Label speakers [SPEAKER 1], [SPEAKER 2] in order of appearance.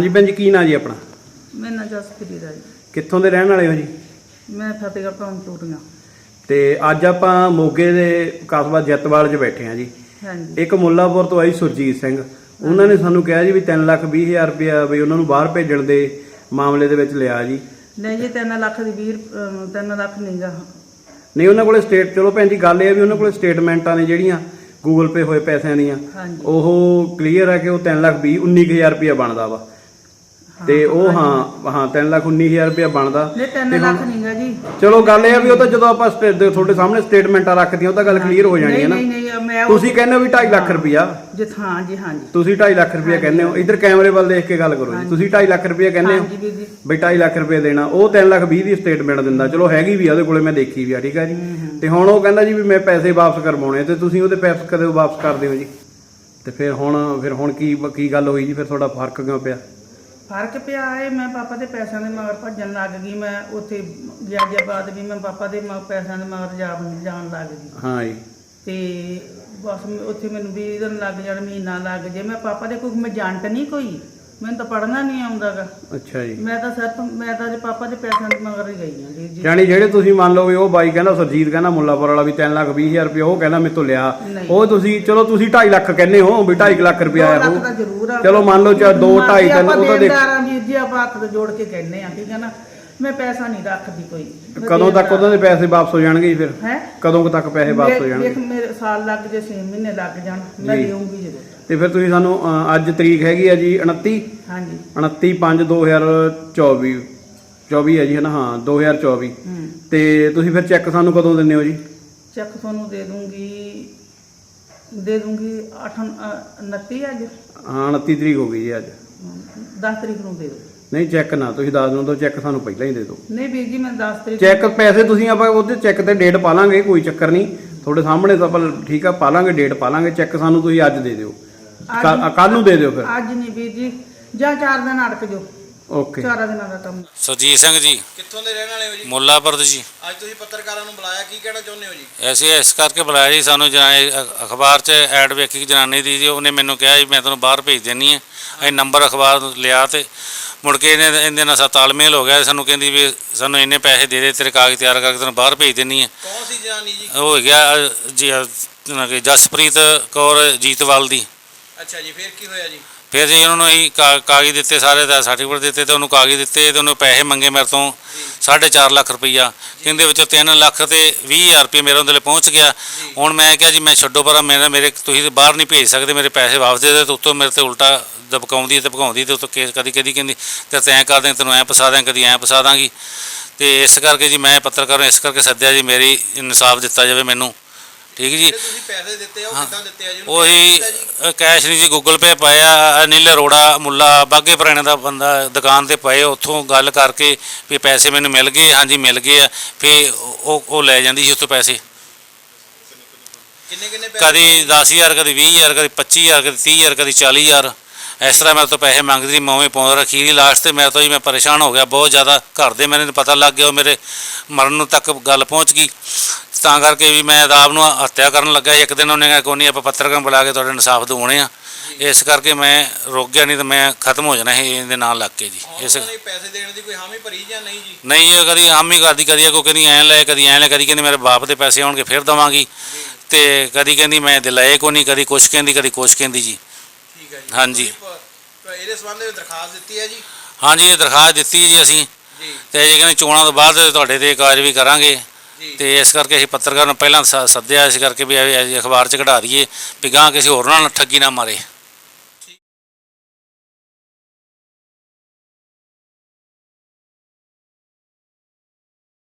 [SPEAKER 1] ਹਾਂਜੀ ਭੈਣ ਜੀ, ਕੀ ਨਾਂ ਜੀ ਆਪਣਾ?
[SPEAKER 2] ਮੇਰਾ ਨਾਂ ਜਸਪ੍ਰੀਤ ਹੈ ਜੀ।
[SPEAKER 1] ਕਿੱਥੋਂ ਦੇ ਰਹਿਣ ਵਾਲੇ ਹੋ ਜੀ?
[SPEAKER 2] ਮੈਂ ਫਤਿਹਗੜ੍ਹ ਤੋਂ ਟੂਰੀਆਂ।
[SPEAKER 1] ਤੇ ਅੱਜ ਆਪਾਂ ਮੋਗੇ ਦੇ ਕਸਬਾ ਜੱਤਵਾਲ 'ਚ ਬੈਠੇ ਹਾਂ ਜੀ।
[SPEAKER 2] ਹਾਂਜੀ।
[SPEAKER 1] ਇੱਕ ਮੁੱਲਾਪੁਰ ਤੋਂ ਆਈ ਸੁਰਜੀਤ ਸਿੰਘ, ਉਹਨਾਂ ਨੇ ਸਾਨੂੰ ਕਿਹਾ ਜੀ ਵੀ 3,20,000 ਰੁਪਇਆ ਵੀ ਉਹਨਾਂ ਨੂੰ ਬਾਹਰ ਭੇਜਣ ਦੇ ਮਾਮਲੇ ਦੇ ਵਿੱਚ ਲਿਆ ਜੀ।
[SPEAKER 2] ਨਹੀਂ ਜੀ 3 ਲੱਖ ਦੀ 3 ਲੱਖ ਨਹੀਂਗਾ।
[SPEAKER 1] ਨਹੀਂ, ਉਹਨਾਂ ਕੋਲੇ ਚਲੋ ਭੈਣ ਜੀ ਗੱਲ ਇਹ ਆ ਵੀ ਉਹਨਾਂ ਕੋਲੇ ਸਟੇਟਮੈਂਟਾਂ ਨੇ ਜਿਹੜੀਆਂ ਗੂਗਲ ਪੇ ਹੋਏ ਪੈਸਿਆਂ ਦੀਆਂ, ਉਹ ਕਲੀਅਰ ਆ ਕਿ ਉਹ 3,19,000 ਰੁਪਇਆ ਬਣਦਾ ਵਾ। ਤੇ ਉਹ ਹਾਂ 3,19,000 ਰੁਪਇਆ ਬਣਦਾ।
[SPEAKER 2] ਨਹੀਂ 3 ਲੱਖ ਨਹੀਂਗਾ ਜੀ।
[SPEAKER 1] ਚਲੋ ਗੱਲ ਇਹ ਆ ਵੀ ਉਹ ਤਾਂ ਜਦੋਂ ਆਪਾਂ ਤੁਹਾਡੇ ਸਾਹਮਣੇ ਸਟੇਟਮੈਂਟਾਂ ਰੱਖਦੀਆਂ ਉਹ ਤਾਂ ਗੱਲ ਕਲੀਅਰ ਹੋ ਜਾਣੀ ਹੈ ਨਾ। ਤੁਸੀਂ ਕਹਿੰਦੇ ਹੋ ਵੀ 2.5 ਲੱਖ ਰੁਪਇਆ।
[SPEAKER 2] ਹਾਂ ਜੀ, ਹਾਂ ਜੀ।
[SPEAKER 1] ਤੁਸੀਂ 2.5 ਲੱਖ ਰੁਪਇਆ ਕਹਿੰਦੇ ਹੋ। ਇੱਧਰ ਕੈਮਰੇ ਵੱਲ ਦੇਖ ਕੇ ਗੱਲ ਕਰੋ ਜੀ। ਤੁਸੀਂ 2.5 ਲੱਖ ਰੁਪਇਆ ਕਹਿੰਦੇ ਹੋ ਬਈ 2.5 ਲੱਖ ਰੁਪਇਆ ਦੇਣਾ। ਉਹ 3,20,000 ਦੀ ਸਟੇਟਮੈਂਟ ਦਿੰਦਾ। ਚਲੋ ਹੈਗੀ ਵੀ ਆ ਉਹਦੇ ਕੋਲੇ, ਮੈਂ ਦੇਖੀ ਵੀ ਆ, ਠੀਕ ਆ ਜੀ। ਤੇ ਹੁਣ ਉਹ ਕਹਿੰਦਾ ਜੀ ਵੀ ਮੈਂ ਪੈਸੇ ਵਾਪਸ ਕਰਵਾਉਣੇ, ਤੇ ਤੁਸੀਂ ਉਹਦੇ ਪੈਸੇ ਕਦੇ ਵਾਪਸ ਕਰਦੇ ਹੋ ਜੀ? ਤੇ ਫਿਰ ਹੁਣ ਕੀ ਗੱਲ ਹੋਈ ਜੀ? ਫਿਰ ਤੁਹਾਡਾ ਫਰਕ ਕਿਉਂ ਪਿਆ?
[SPEAKER 2] ਫਰਕ ਪਿਆ ਹੈ, ਮੈਂ ਪਾਪਾ ਦੇ ਪੈਸਿਆਂ ਦੇ ਮਗਰ ਭੱਜਣ ਲੱਗ ਗਈ। ਮੈਂ ਉੱਥੇ ਗਿਆਜਾਬਾਦ ਵੀ ਮੈਂ ਪਾਪਾ ਦੇ ਪੈਸਿਆਂ ਦੇ ਮਗਰ ਜਾਣ ਲੱਗ ਗਈ।
[SPEAKER 1] ਹਾਂ ਜੀ।
[SPEAKER 2] ਤੇ ਬਸ ਉੱਥੇ ਮੈਨੂੰ 20 ਦਿਨ ਲੱਗ ਜਾਣ, ਮਹੀਨਾ ਲੱਗ ਜੇ। ਮੈਂ ਪਾਪਾ ਦੇ ਕੋਈ ਏਜੰਟ ਨਹੀਂ, ਕੋਈ ਮੈਨੂੰ ਤਾਂ ਪੜ੍ਹਨਾ ਨਹੀਂ ਆਉਂਦਾਗਾ।
[SPEAKER 1] ਅੱਛਾ ਜੀ।
[SPEAKER 2] ਮੈਂ ਤਾਂ ਜੇ ਪਾਪਾ ਦੇ ਪੈਸਿਆਂ ਦੇ ਮਗਰ ਹੀ ਗਈ ਹਾਂ ਜੀ।
[SPEAKER 1] ਯਾਨੀ ਜਿਹੜੇ ਤੁਸੀਂ ਮੰਨ ਲਓ ਵੀ ਉਹ ਬਾਈ ਕਹਿੰਦਾ, ਸੁਰਜੀਤ ਕਹਿੰਦਾ ਮੁੱਲਾਪੁਰ ਵਾਲਾ ਵੀ 3,20,000 ਰੁਪਇਆ ਉਹ ਕਹਿੰਦਾ ਮੇਰੇ ਤੋਂ ਲਿਆ। ਉਹ ਤੁਸੀਂ ਚਲੋ ਤੁਸੀਂ 2.5 ਲੱਖ ਕਹਿੰਦੇ ਹੋ ਵੀ 2.5 ਲੱਖ ਰੁਪਇਆ ਆਇਆ ਉਹ। ਚਲੋ ਮੰਨ ਲਓ 2, 2.5, 3 ਉਹ ਤਾਂ ਦੇਖ
[SPEAKER 2] ਜੀ ਆਪਾਂ ਹੱਥ ਜੋੜ ਕੇ ਕਹਿੰਦੇ ਆ, ਠੀਕ ਹੈ ਨਾ। ਮੈਂ ਪੈਸਾ ਨਹੀਂ ਰੱਖਦੀ ਕੋਈ।
[SPEAKER 1] ਕਦੋਂ ਤੱਕ ਉਹਨਾਂ ਦੇ ਪੈਸੇ ਵਾਪਸ ਹੋ ਜਾਣਗੇ ਜੀ? ਫਿਰ
[SPEAKER 2] ਹੈ
[SPEAKER 1] ਕਦੋਂ ਤੱਕ ਪੈਸੇ ਵਾਪਸ ਹੋ ਜਾਣਗੇ?
[SPEAKER 2] ਦੇਖ ਮੇਰੇ ਸਾਲ ਲੱਗ ਜੇ, 6 ਮਹੀਨੇ ਲੱਗ ਜਾਣ, ਮੈਂ ਦੇਵਾਂਗੀ ਜਦੋਂ।
[SPEAKER 1] ਤੇ ਫਿਰ ਤੁਸੀਂ ਸਾਨੂੰ ਅੱਜ ਤਰੀਕ ਹੈਗੀ ਆ ਜੀ 29।
[SPEAKER 2] ਹਾਂਜੀ।
[SPEAKER 1] 29/5/2024 ਹੈ ਜੀ, ਹੈ ਨਾ? ਹਾਂ 2024। ਤੇ ਤੁਸੀਂ ਫਿਰ ਚੈੱਕ ਸਾਨੂੰ ਕਦੋਂ ਦਿੰਦੇ ਹੋ ਜੀ?
[SPEAKER 2] ਚੈੱਕ ਤੁਹਾਨੂੰ ਦੇ ਦੂੰਗੀ 29 ਅੱਜ।
[SPEAKER 1] ਹਾਂ 29 ਤਰੀਕ ਹੋ ਗਈ ਜੀ ਅੱਜ।
[SPEAKER 2] 10 ਤਰੀਕ ਨੂੰ ਦੇ ਦਿਓ।
[SPEAKER 1] ਨਹੀਂ, ਚੈੱਕ ਨਾ ਤੁਸੀਂ 10 ਨੂੰ ਦਿਓ, ਚੈੱਕ ਸਾਨੂੰ ਪਹਿਲਾਂ ਹੀ ਦੇ ਦਿਓ।
[SPEAKER 2] ਨਹੀਂ ਵੀਰ ਜੀ, ਮੈਂ 10 ਤਰੀਕ
[SPEAKER 1] ਚੈੱਕ ਪੈਸੇ ਤੁਸੀਂ ਆਪਾਂ ਉਹਦੇ ਚੈੱਕ ਤੇ ਡੇਟ ਪਾ ਲਾਂਗੇ, ਕੋਈ ਚੱਕਰ ਨਹੀਂ। ਤੁਹਾਡੇ ਸਾਹਮਣੇ ਤਾਂ ਆਪਾਂ ਠੀਕ ਆ ਪਾ ਲਾਂਗੇ, ਡੇਟ ਪਾ ਲਾਂਗੇ। ਚੈੱਕ ਸਾਨੂੰ ਤੁਸੀਂ ਅੱਜ ਦੇ ਦਿਓ, ਕੱਲ ਨੂੰ ਦੇ ਦਿਓ। ਫਿਰ
[SPEAKER 2] ਅੱਜ ਨਹੀਂ ਵੀਰ ਜੀ, ਜਾਂ 4 ਦਿਨ ਅੜਕ ਜਾਓ।
[SPEAKER 1] ਓਕੇ।
[SPEAKER 2] 4 ਦਿਨਾਂ ਦਾ ਕੰਮ।
[SPEAKER 3] ਸੁਰਜੀਤ ਸਿੰਘ ਜੀ।
[SPEAKER 1] ਕਿੱਥੋਂ ਦੇ ਰਹਿਣ ਵਾਲੇ ਹੋ ਜੀ?
[SPEAKER 3] ਮੁੱਲਾਪੁਰ ਜੀ।
[SPEAKER 1] ਅੱਜ ਤੁਸੀਂ ਪੱਤਰਕਾਰਾਂ ਨੂੰ ਬੁਲਾਇਆ, ਕੀ ਕਹਿਣਾ ਚਾਹੁੰਦੇ ਹੋ ਜੀ?
[SPEAKER 3] ਐਸੇ ਇਸ ਕਰਕੇ ਬੁਲਾਇਆ ਜੀ, ਸਾਨੂੰ ਅਖਬਾਰ 'ਚ ਐਡ ਵੇਖੀ ਜਨਾਨੀ ਦੀ ਜੀ, ਉਹਨੇ ਮੈਨੂੰ ਕਿਹਾ ਜੀ ਮੈਂ ਤੁਹਾਨੂੰ ਬਾਹਰ ਭੇਜ ਦੇਣੀ ਹੈ। ਅਸੀਂ ਨੰਬਰ ਅਖਬਾਰ ਲਿਆ ਤੇ ਮੁੜ ਕੇ ਇਹਦੇ ਨਾਲ ਤਾਲਮੇਲ ਹੋ ਗਿਆ। ਸਾਨੂੰ ਕਹਿੰਦੀ ਵੀ ਸਾਨੂੰ ਇੰਨੇ ਪੈਸੇ ਦੇ ਤੇਰੇ ਕਾਗਜ਼ ਤਿਆਰ ਕਰਕੇ ਤੈਨੂੰ ਬਾਹਰ ਭੇਜ ਦੇਣੀ ਹੈ।
[SPEAKER 1] ਕੌਣ ਸੀ ਜਨਾਨੀ ਜੀ?
[SPEAKER 3] ਉਹ ਹੈਗਾ ਜੀ ਜਸਪ੍ਰੀਤ ਕੌਰ ਜੀਤਵਾਲ ਦੀ।
[SPEAKER 1] ਅੱਛਾ ਜੀ, ਫਿਰ ਕੀ ਹੋਇਆ ਜੀ?
[SPEAKER 3] ਫਿਰ ਜੀ ਉਹਨਾਂ ਨੂੰ ਅਸੀਂ ਕਾਗਜ਼ ਦਿੱਤੇ, ਸਾਰੇ ਦਾ ਸਰਟੀਫਿਕੇਟ ਦਿੱਤੇ, ਤੇ ਉਹਨੂੰ ਕਾਗਜ਼ ਦਿੱਤੇ, ਤੇ ਉਹਨੂੰ ਪੈਸੇ ਮੰਗੇ ਮੇਰੇ ਤੋਂ 4.5 ਲੱਖ ਰੁਪਈਆ। ਕਹਿੰਦੇ ਵਿੱਚੋਂ 3,20,000 ਰੁਪਏ ਮੇਰੇ ਉਹਦੇ ਲਈ ਪਹੁੰਚ ਗਿਆ। ਹੁਣ ਮੈਂ ਕਿਹਾ ਜੀ ਮੈਂ ਛੱਡੋ ਪਰ ਮੇਰੇ ਤੁਸੀਂ ਬਾਹਰ ਨਹੀਂ ਭੇਜ ਸਕਦੇ, ਮੇਰੇ ਪੈਸੇ ਵਾਪਸ ਦੇ ਦੇ। ਤੇ ਉੱਤੋਂ ਮੇਰੇ ਤੇ ਉਲਟਾ ਦਬਕਾਉਂਦੀ ਤੇ ਭਗਾਉਂਦੀ, ਤੇ ਉੱਤੋਂ ਕੇਸ ਕਦੀ ਕਹਿੰਦੀ ਤੇ ਤੈਂ ਕਰ ਦੇ, ਤੈਨੂੰ ਐਂ ਫਸਾ ਦਿਆਂ, ਕਦੀ ਐਂ ਫਸਾ ਦਾਂਗੀ। ਤੇ ਇਸ ਕਰਕੇ ਜੀ ਮੈਂ ਪੱਤਰਕਾਰ ਨੂੰ ਇਸ ਕਰਕੇ ਸੱਦਿਆ ਜੀ, ਮੇਰੀ ਇਨਸਾਫ ਦਿੱਤਾ ਜਾਵੇ ਮੈਨੂੰ, ਠੀਕ ਜੀ।
[SPEAKER 1] ਤੁਸੀਂ ਪੈਸੇ ਦਿੱਤੇ ਆ ਉਹ ਕਿੱਦਾਂ ਦਿੱਤੇ ਆ ਜੀ?
[SPEAKER 3] ਉਹੀ ਕੈਸ਼ ਨਹੀਂ ਜੀ, ਗੂਗਲ ਪੇ ਪਾਇਆ। ਅਨਿਲ ਅਰੋੜਾ ਮੁੱਲਾ ਬਾਗੇ ਪੁਰਾਣੇ ਦਾ ਬੰਦਾ ਦੁਕਾਨ ਤੇ ਪਏ, ਉੱਥੋਂ ਗੱਲ ਕਰਕੇ ਵੀ ਪੈਸੇ ਮੈਨੂੰ ਮਿਲ ਗਏ। ਹਾਂਜੀ ਮਿਲ ਗਏ ਆ। ਫਿਰ ਉਹ ਲੈ ਜਾਂਦੀ ਸੀ ਉੱਥੋਂ ਪੈਸੇ।
[SPEAKER 1] ਕਿੰਨੇ
[SPEAKER 3] ਕਦੀ 10,000, ਕਦੀ 20,000, ਕਦੀ 25,000, ਕਦੀ 30,000, ਕਦੀ 40,000। ਇਸ ਤਰ੍ਹਾਂ ਮੇਰੇ ਤੋਂ ਪੈਸੇ ਮੰਗਦੀ ਸੀ, ਮੈਂ ਉਵੇਂ ਪਾਉਂਦਾ ਰੱਖੀ। ਲਾਸਟ 'ਤੇ ਮੈਂ ਪਰੇਸ਼ਾਨ ਹੋ ਗਿਆ ਬਹੁਤ ਜ਼ਿਆਦਾ। ਘਰ ਦੇ ਮੈਨੂੰ ਪਤਾ ਲੱਗ ਗਿਆ, ਉਹ ਮੇਰੇ ਮਰਨ ਨੂੰ ਤੱਕ ਗੱਲ ਪਹੁੰਚ ਗਈ। ਤਾਂ ਕਰਕੇ ਵੀ ਮੈਂ ਆਪ ਨੂੰ ਹੱਤਿਆ ਕਰਨ ਲੱਗਾ। ਇੱਕ ਦਿਨ ਉਹਨੇ ਕਿਹਾ ਕੋਈ ਨਹੀਂ, ਆਪਾਂ ਪੱਤਰਕਾਰ ਬੁਲਾ ਕੇ ਤੁਹਾਡੇ ਇਨਸਾਫ ਦਿਵਾਉਣੇ ਆ। ਇਸ ਕਰਕੇ ਮੈਂ ਰੁਕ ਗਿਆ, ਨਹੀਂ ਤਾਂ ਮੈਂ ਖਤਮ ਹੋ ਜਾਣਾ ਸੀ ਇਹਦੇ ਨਾਲ ਲੱਗ ਕੇ ਜੀ। ਇਸ
[SPEAKER 1] ਪੈਸੇ ਦੇਣ ਦੀ ਕੋਈ ਹਾਮੀ ਭਰੀ ਜਾਂ ਨਹੀਂ ਜੀ?
[SPEAKER 3] ਨਹੀਂ ਜੀ, ਕਦੀ ਹਾਮੀ ਕਰਦੀ, ਕਦੀ ਕੋਈ ਕਹਿੰਦੀ ਐਂ ਲੈ, ਕਦੀ ਐਂ ਲੈ, ਕਦੀ ਕਹਿੰਦੀ ਮੇਰੇ ਬਾਪ ਦੇ ਪੈਸੇ ਆਉਣਗੇ ਫਿਰ ਦੇਵਾਂਗੀ, ਤੇ ਕਦੀ ਕਹਿੰਦੀ ਮੈਂ ਦਿਲਾਏ ਕੋਈ ਨਹੀਂ, ਕਦੀ ਕੁਛ ਕਹਿੰਦੀ, ਕਦੀ ਕੁਛ ਕਹਿੰਦੀ ਜੀ।
[SPEAKER 1] ਠੀਕ ਹੈ ਜੀ।
[SPEAKER 3] ਹਾਂਜੀ।
[SPEAKER 1] ਇਹਦੇ ਸੰਬੰਧ ਵਿੱਚ ਦਰਖਾਸਤ ਦਿੱਤੀ ਹੈ ਜੀ? ਹਾਂਜੀ,
[SPEAKER 3] ਇਹ ਦਰਖਾਸਤ ਦਿੱਤੀ ਜੀ ਅਸੀਂ। ਤੇ ਜੇ ਕਹਿੰਦੇ ਚੋਣਾਂ ਤੋਂ ਬਾਅਦ ਤੁਹਾਡੇ ਤੇ ਕਾਰਵਾਈ ਕਰਾਂਗੇ। ਤੇ ਇਸ ਕਰਕੇ ਅਸੀਂ ਪੱਤਰਕਾਰ ਨੂੰ ਪਹਿਲਾਂ ਸੱਦਿਆ, ਇਸ ਕਰਕੇ ਵੀ ਅਖਬਾਰ 'ਚ ਕਢਾ ਦਈਏ ਵੀ ਗਾਂ ਕਿਸੇ ਹੋਰ ਨਾਲ ਠੱਗੀ ਨਾ ਮਾਰੇ।